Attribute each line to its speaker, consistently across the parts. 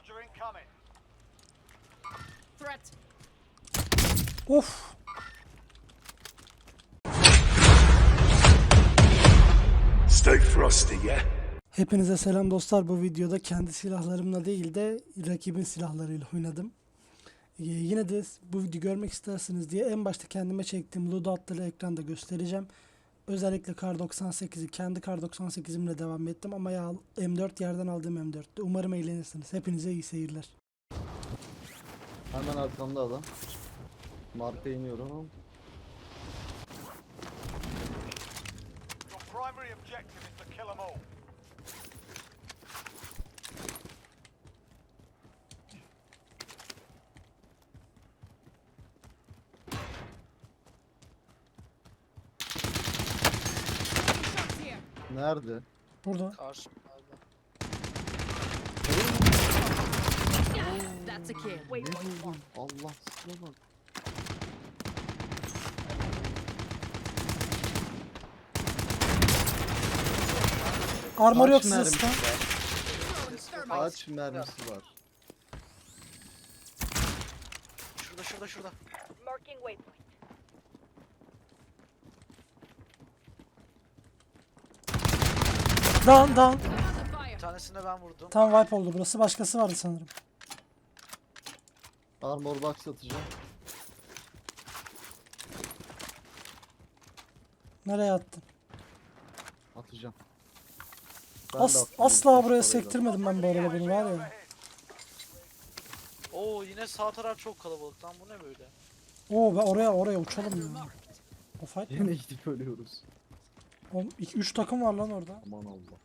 Speaker 1: Threat.
Speaker 2: Of.
Speaker 3: Stay frosty, yeah?
Speaker 2: Hepinize selam dostlar. Bu videoda kendi silahlarımla değil de rakibin silahlarıyla oynadım. Yine de bu videoyu görmek istersiniz diye en başta kendime çektiğim loadout'ları ekranda göstereceğim. Özellikle Kar 98'i kendi Kar 98'imle devam ettim ama ya M4 yerden aldığım M4'tü. Umarım eğlenirsiniz. Hepinize iyi seyirler.
Speaker 4: Hemen arkamda adam. Marka iniyorum ama.
Speaker 5: Your primary objective is to kill them all.
Speaker 1: Shots here.
Speaker 4: Nerede?
Speaker 2: Burada.
Speaker 6: Karşı.
Speaker 1: That's a kill.
Speaker 4: Ne buldun? Allah size bak.
Speaker 2: Armor yok
Speaker 4: Kaç
Speaker 2: size
Speaker 4: mermisi
Speaker 2: sıkan.
Speaker 4: var? Kaç mermisi var?
Speaker 6: Şurada.
Speaker 1: Marking waypoint.
Speaker 2: Down.
Speaker 1: Under
Speaker 6: Bir
Speaker 1: fire.
Speaker 6: tanesine ben vurdum.
Speaker 2: Tam wipe oldu burası. Başkası vardı sanırım.
Speaker 4: Armor box atacağım.
Speaker 2: Nereye attın?
Speaker 4: Atacağım. Ben de attım.
Speaker 2: Asla buraya
Speaker 4: Parayla.
Speaker 2: sektirmedim ben bu arada bunu var ya.
Speaker 6: Oo yine sağ taraf çok kalabalık lan, bu ne böyle?
Speaker 2: Oo ben oraya uçalım ya. O fight
Speaker 4: Yine
Speaker 2: mi?
Speaker 4: gidip ölüyoruz.
Speaker 2: 3 takım var lan orada.
Speaker 4: Aman Allah.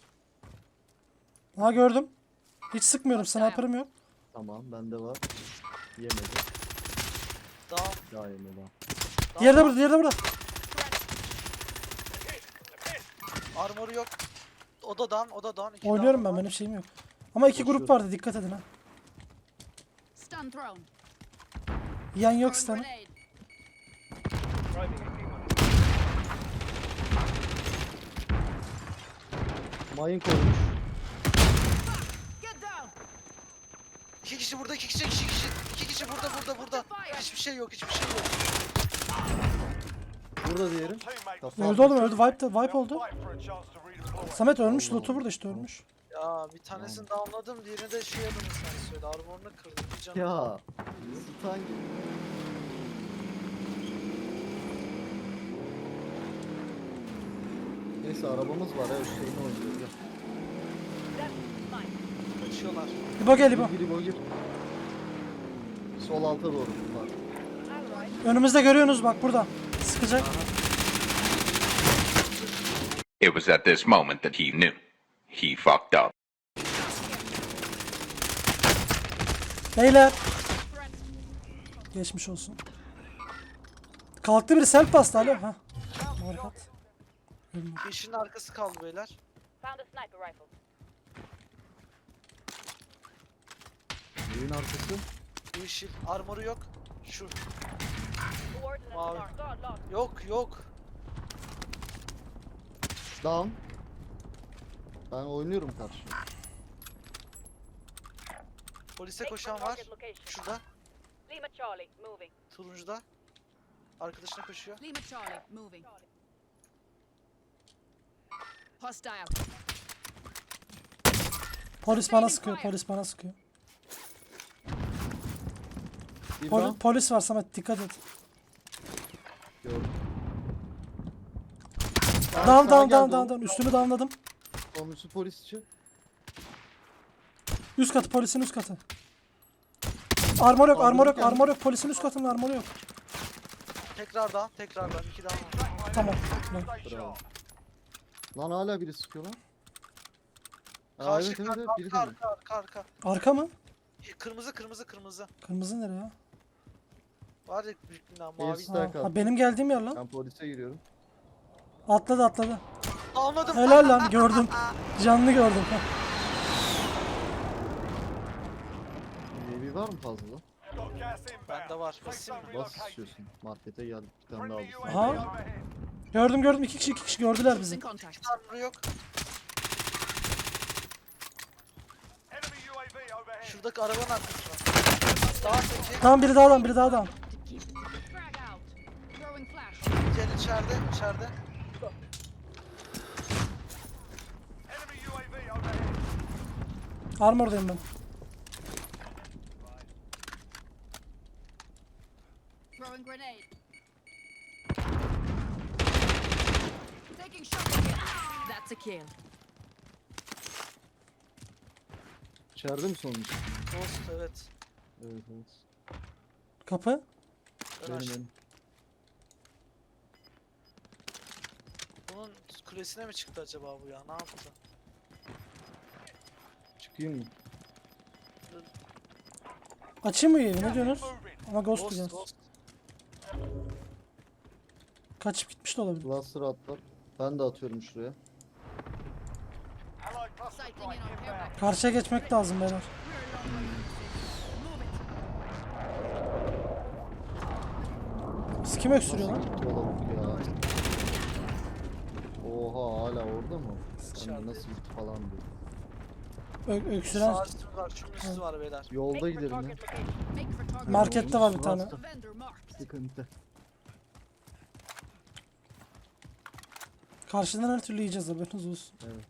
Speaker 2: Ha gördüm. Hiç sıkmıyorum. Sniper'ım yok.
Speaker 4: Tamam bende var. Yemedi.
Speaker 6: Daha
Speaker 4: Daha yemedi.
Speaker 2: Diğeri de burada.
Speaker 6: armoru yok. Odadan. İki
Speaker 2: Oynuyorum
Speaker 6: down
Speaker 2: ben.
Speaker 6: var.
Speaker 2: Benim şeyim yok. Ama iki grup
Speaker 4: Koşuyorum.
Speaker 2: vardı. Dikkat edin ha.
Speaker 1: Stun thrown.
Speaker 2: Yan yok
Speaker 1: Throwing
Speaker 2: stun'ı.
Speaker 1: grenade.
Speaker 4: Mayın koymuş.
Speaker 1: Get down.
Speaker 6: İki kişi burada, iki kişi burada. Hiçbir şey yok.
Speaker 4: Burada diyelim.
Speaker 5: Teammates
Speaker 4: Kafa
Speaker 2: Öldü oğlum öldü. Wipe oldu.
Speaker 5: fight for a chance to redeploy.
Speaker 2: Samet ölmüş.
Speaker 4: Allah
Speaker 2: Loot'u burada
Speaker 4: Allah.
Speaker 2: işte ölmüş.
Speaker 6: Ya bir tanesini downladım, diğerini de şey adını sen söyle. Armorunu kırdım. Bir canım.
Speaker 4: Ya. Stun gibi. Neyse arabamız var ya, Hüseyin'i oynuyoruz ya.
Speaker 6: Kaçıyorlar.
Speaker 2: İbo gel İbo.
Speaker 4: Gir İbo gir. Sol alta doğru bunlar.
Speaker 2: Önümüzde görüyorsunuz bak burada. Sıkacak.
Speaker 7: It was at this moment that he knew. He fucked up.
Speaker 2: Beyler.
Speaker 1: Threat.
Speaker 2: Geçmiş olsun. Kalktı biri self bastı alo. Ha. Markat.
Speaker 6: Yeşilin arkası kaldı beyler.
Speaker 1: Found a sniper rifle.
Speaker 4: Evin arkası.
Speaker 6: Yeşil. Armoru yok. Şu.
Speaker 1: Coordinates
Speaker 6: Mavi.
Speaker 1: marked.
Speaker 6: Yok.
Speaker 4: Down. Ben oynuyorum karşı.
Speaker 6: Polise koşan var. Şurada.
Speaker 1: Lima Charlie moving.
Speaker 6: Turuncuda. Arkadaşına koşuyor.
Speaker 1: Lima Charlie moving. Hostile.
Speaker 2: Polis bana sıkıyor.
Speaker 4: Bir down.
Speaker 2: Polis var Samet dikkat et.
Speaker 4: Gördüm.
Speaker 2: Down. Üstünü downladım.
Speaker 4: Sonuncusu polisçi.
Speaker 2: Üst katı polisin üst katı. Armor yok. Polisin üst katında armor yok.
Speaker 6: Tekrardan. İki daha var.
Speaker 2: Tamam.
Speaker 5: Stay sharp.
Speaker 4: Lan hala biri sıkıyor lan. Aa,
Speaker 6: Karşı
Speaker 4: evet biri de.
Speaker 6: arka.
Speaker 2: Arka mı?
Speaker 6: Kırmızı.
Speaker 2: Kırmızı nereye ya?
Speaker 6: Var ya büyük bina
Speaker 4: Air
Speaker 6: mavi.
Speaker 4: strike
Speaker 2: Ha,
Speaker 4: attı.
Speaker 2: benim geldiğim yer lan.
Speaker 4: Ben polise giriyorum.
Speaker 2: Atladı.
Speaker 6: Anladım.
Speaker 2: Helal lan gördüm. Canlı gördüm. Ha.
Speaker 4: UAV var mı fazla?
Speaker 5: Got gas inbound.
Speaker 6: Bende var.
Speaker 5: Safe
Speaker 6: Basayım
Speaker 5: zone
Speaker 6: mı?
Speaker 4: Nasıl
Speaker 5: relocated.
Speaker 4: istiyorsun? Markete geldik bir tane daha
Speaker 5: Friendly
Speaker 4: aldım.
Speaker 5: UAV
Speaker 2: Aha.
Speaker 5: overhead.
Speaker 2: Gördüm. İki kişi gördüler bizi.
Speaker 1: In contact.
Speaker 6: Armoru yok.
Speaker 5: Enemy UAV UAV overhead.
Speaker 6: Şuradaki arabanın arkasına. Daha peki.
Speaker 2: Tamam biri daha adam, biri daha adam.
Speaker 1: Frag out. Throwing flash.
Speaker 6: Gel içeride.
Speaker 5: Enemy UAV overhead.
Speaker 2: Armordayım ben.
Speaker 1: Throwing grenade. Taking shot again. That's a kill.
Speaker 4: İçeride mi sonuncu?
Speaker 6: Ghost evet.
Speaker 4: Evet evet.
Speaker 2: Kapı.
Speaker 6: Ben
Speaker 4: Benim
Speaker 6: açtım.
Speaker 4: benim.
Speaker 6: Bunun kulesine mi çıktı acaba bu ya? Ne yaptı?
Speaker 4: Çıkayım mı?
Speaker 2: Açayım mı evi? Ne diyorsunuz?
Speaker 5: Moving.
Speaker 2: Ama Ghost diyeceğiz.
Speaker 6: Ghost.
Speaker 2: Kaçıp gitmiş de olabilir.
Speaker 4: Cluster atlar. Ben de atıyorum şuraya.
Speaker 5: Allied cluster
Speaker 1: Sighting in
Speaker 5: strike
Speaker 1: on
Speaker 5: inbound.
Speaker 1: payback.
Speaker 2: Karşıya geçmek lazım beyler. Biz kim öksürüyor lan?
Speaker 4: Gitti o lavuk ya. Oha hala orada mı? Ben
Speaker 6: İçeride.
Speaker 4: de nasıl gitti falan diyor.
Speaker 2: Öksüren
Speaker 6: Sağ üstü var. Şunun üstü var beyler.
Speaker 4: Yolda gidelim ya.
Speaker 1: Make for target.
Speaker 2: markette var bir tane.
Speaker 1: Vendor marked.
Speaker 4: Sıkıntı.
Speaker 2: Karşıdan her türlü yiyeceğiz haberiniz olsun.
Speaker 4: Evet.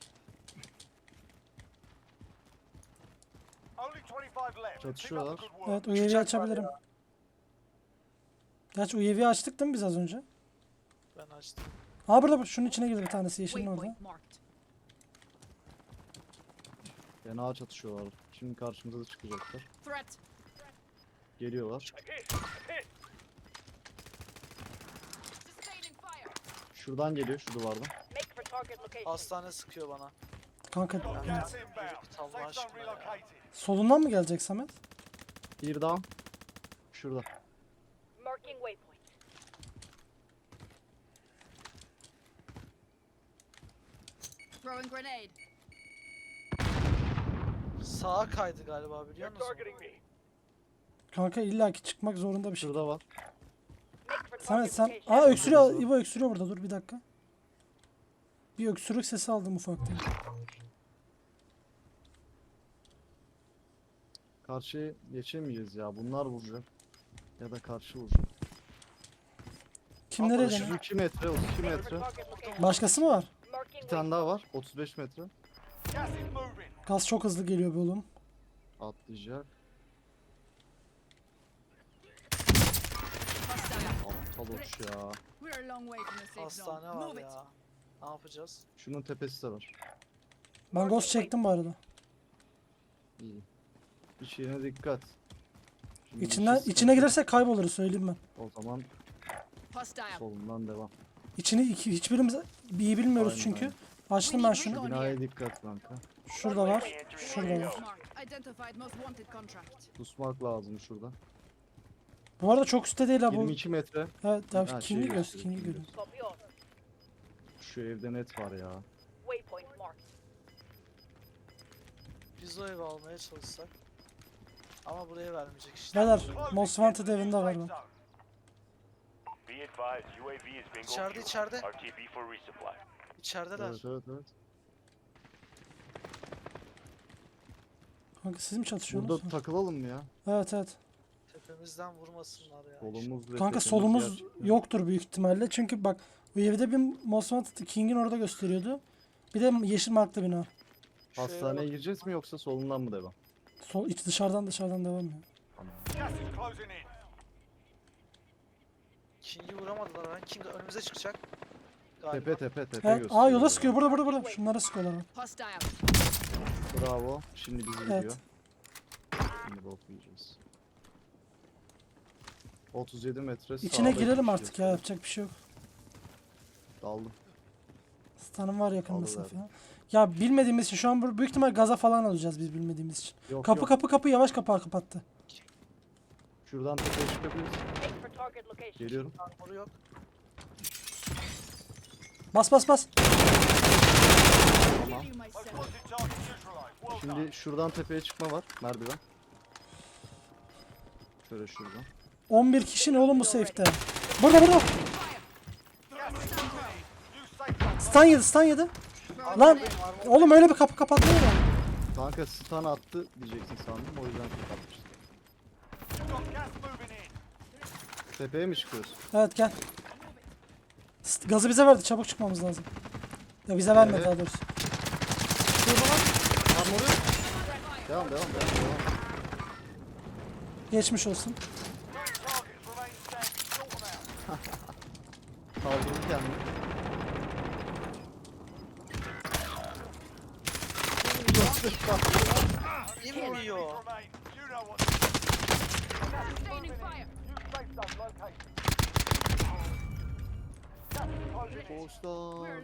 Speaker 5: Only 25 left. Keep up
Speaker 4: Çatışıyorlar.
Speaker 5: the good work.
Speaker 2: Evet UAV'yi
Speaker 6: Uçak var
Speaker 2: açabilirim.
Speaker 6: ya.
Speaker 2: Gerçi UAV'yi açtık değil mi biz az önce?
Speaker 6: Ben açtım.
Speaker 2: Aa burada bak, şunun içine girdi bir tanesi yeşilin orada.
Speaker 1: Waypoint marked.
Speaker 4: Fena çatışıyorlar. Şimdi karşımıza da çıkacaklar.
Speaker 1: Threat.
Speaker 4: Geliyorlar.
Speaker 1: Sustaining fire.
Speaker 4: Şuradan geliyor şu duvardan.
Speaker 1: Make for target location.
Speaker 6: Hastane sıkıyor bana.
Speaker 2: Kanka
Speaker 5: Got
Speaker 2: yani
Speaker 5: gas inbound.
Speaker 6: Allah
Speaker 5: Safe zone
Speaker 6: aşkına ya.
Speaker 5: relocated.
Speaker 2: solundan mı gelecek Samet?
Speaker 4: Bir down. Şurada.
Speaker 1: Marking waypoint. Throwing grenade.
Speaker 6: Sağa kaydı galiba biliyor musun?
Speaker 2: Kanka illaki çıkmak zorunda bir şey.
Speaker 4: Şurada var.
Speaker 1: Make for
Speaker 2: Samet
Speaker 1: target
Speaker 2: sen...
Speaker 1: location.
Speaker 2: Aa öksürüyor. İbo öksürüyor burada, dur bir dakika. Bir öksürük sesi aldım ufaktan.
Speaker 4: Karşıya geçemeyeceğiz ya. Bunlar vuracak. Ya da karşı vuracak.
Speaker 2: Kim nereye
Speaker 4: Şu
Speaker 2: dönüyor?
Speaker 4: 2 metre, 32 metre.
Speaker 1: Target location.
Speaker 2: Başkası mı var?
Speaker 1: Marking
Speaker 4: Bir tane daha var. 35 metre.
Speaker 5: Gas is moving.
Speaker 2: Gaz çok hızlı geliyor be oğlum.
Speaker 4: Atlayacak.
Speaker 1: hostile.
Speaker 4: Aptal uç ya.
Speaker 1: We're a long way from the safe
Speaker 6: Hastane
Speaker 1: zone.
Speaker 6: var
Speaker 1: Move it.
Speaker 6: ya. Ne yapacağız?
Speaker 4: Şunun tepesi de var.
Speaker 2: Ben ghost çektim bu arada.
Speaker 4: İyi. İçine dikkat. Şimdi
Speaker 2: İçinden,
Speaker 4: içi
Speaker 2: içine girersek kayboluruz söyleyeyim ben.
Speaker 4: O zaman
Speaker 1: Hostile.
Speaker 4: solundan devam.
Speaker 2: Hiçbirimiz iyi bilmiyoruz
Speaker 4: Aynen,
Speaker 2: çünkü.
Speaker 4: aynen.
Speaker 2: Açtım ben şunu.
Speaker 4: Binaya dikkat kanka.
Speaker 2: Şurada var. Şurada var.
Speaker 1: Marked. Identified most wanted contract.
Speaker 4: Pusmak lazım şurada.
Speaker 2: Bu arada çok üstte değil ha bu.
Speaker 4: 22 metre.
Speaker 2: Evet,
Speaker 4: Ha,
Speaker 2: King'i
Speaker 4: şey
Speaker 2: göster,
Speaker 4: gösteriyor,
Speaker 2: King'i
Speaker 4: King'i
Speaker 2: görüyoruz.
Speaker 1: Copy all.
Speaker 4: Şu evde net var ya.
Speaker 1: Waypoint marked.
Speaker 6: Biz o evi almaya çalışsak. Ama buraya vermeyecek işte.
Speaker 2: Beyler,
Speaker 5: Closing
Speaker 2: Most
Speaker 5: into
Speaker 2: Wanted
Speaker 5: the
Speaker 2: evinde
Speaker 5: safe
Speaker 2: var ben.
Speaker 5: zone.
Speaker 8: Be advised, UAV is bingo
Speaker 6: İçeride,
Speaker 8: fuel.
Speaker 6: içeride.
Speaker 8: RTB for resupply.
Speaker 6: İçerideler.
Speaker 4: Evet evet evet.
Speaker 2: Kanka siz mi çatışıyorsunuz?
Speaker 4: Burada takılalım mı ya?
Speaker 2: Evet evet.
Speaker 6: Tepemizden vurmasınlar ya.
Speaker 4: Solumuz ve
Speaker 2: Kanka
Speaker 4: tepemiz
Speaker 2: solumuz
Speaker 4: gerçekten.
Speaker 2: yoktur büyük ihtimalle. Çünkü bak bu evde bir Most Wanted King'in orada gösteriyordu. Bir de yeşil marklı bina.
Speaker 6: Şu eve
Speaker 4: Hastaneye
Speaker 6: bak.
Speaker 4: gireceğiz mi yoksa solundan mı devam?
Speaker 2: Sol iç dışarıdan devam ya.
Speaker 5: Gas is closing in.
Speaker 6: King'i vuramadılar lan. King önümüze çıkacak. Galiba.
Speaker 4: Tepe
Speaker 2: Evet,
Speaker 4: gösteriyor.
Speaker 2: yola sıkıyor. Burada. Şunlara sıkıyorlar bak.
Speaker 1: Hostile.
Speaker 4: Bravo. Şimdi bizi
Speaker 2: Evet.
Speaker 4: gidiyor. Şimdi bok yiyeceğiz. 37 metre
Speaker 2: İçine
Speaker 4: sağda
Speaker 2: girelim
Speaker 4: iki
Speaker 2: artık ya,
Speaker 4: gösteriyor.
Speaker 2: yapacak bir şey yok.
Speaker 4: Daldım.
Speaker 2: Stanım var yakın
Speaker 4: Alıverdim.
Speaker 2: mesafe ya. Ya bilmediğimiz için şu an büyük ihtimal gaza falan alacağız biz bilmediğimiz için.
Speaker 4: Yok
Speaker 2: Kapı
Speaker 4: yok.
Speaker 2: kapı yavaş kapağı kapattı.
Speaker 4: Şuradan tepeye çıkabiliriz.
Speaker 1: Make for target location.
Speaker 4: Geliyorum.
Speaker 6: Armoru yok.
Speaker 2: Bas.
Speaker 4: Tamam.
Speaker 1: Killing
Speaker 5: Most
Speaker 1: myself.
Speaker 5: wanted target neutralized. Well done.
Speaker 4: Şimdi şuradan tepeye çıkma var. Merdiven. Şöyle şuradan.
Speaker 2: 11 kişi ne oğlum bu safe'te? Burada.
Speaker 5: Gas is moving in. New safe zone.
Speaker 2: Stun yedi. Lan oğlum öyle bir kapı kapatmıyor mu?
Speaker 4: Kanka stun attı diyeceksin sandım, o yüzden kapatmıştım.
Speaker 5: You've got gas moving in.
Speaker 4: Tepeye mi çıkıyoruz?
Speaker 2: Evet gel. Gazı bize verdi. Çabuk çıkmamız lazım. Ya bize vermedi
Speaker 4: Evet.
Speaker 2: daha doğrusu.
Speaker 4: Armoru yok. Devam.
Speaker 2: Geçmiş olsun.
Speaker 5: Three targets remain standing. Sort them out.
Speaker 4: Kaldırdı kendini.
Speaker 6: İnmiyor.
Speaker 5: Remain. You know what.
Speaker 1: Sustaining fire.
Speaker 5: New safe zone located. Gas is closing in.
Speaker 4: Boştan.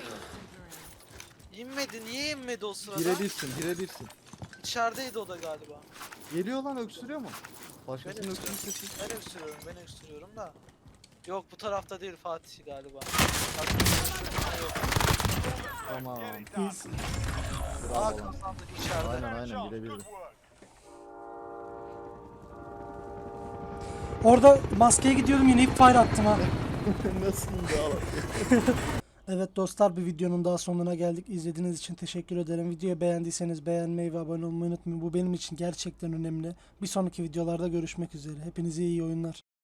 Speaker 6: İnmedi. Niye inmedi o sırada?
Speaker 4: Girebilsin.
Speaker 6: İçerideydi o da galiba.
Speaker 4: Geliyor lan, öksürüyor mu?
Speaker 6: Ben
Speaker 4: Başkasının öksürük sesi.
Speaker 6: Ben öksürüyorum da. Yok bu tarafta değil Fatih galiba.
Speaker 4: Tamam.
Speaker 5: Get it done.
Speaker 2: İyiyiz.
Speaker 6: Aa
Speaker 4: Bravo lan.
Speaker 6: kazandık içeride.
Speaker 4: Aynen
Speaker 5: Charles,
Speaker 4: birebir.
Speaker 5: good work.
Speaker 2: Orada maskeye gidiyordum yine ip fire attım ha.
Speaker 4: Nasıl da
Speaker 2: Evet dostlar, bir videonun daha sonuna geldik. İzlediğiniz için teşekkür ederim. Videoyu beğendiyseniz beğenmeyi ve abone olmayı unutmayın. Bu benim için gerçekten önemli. Bir sonraki videolarda görüşmek üzere. Hepinize iyi oyunlar.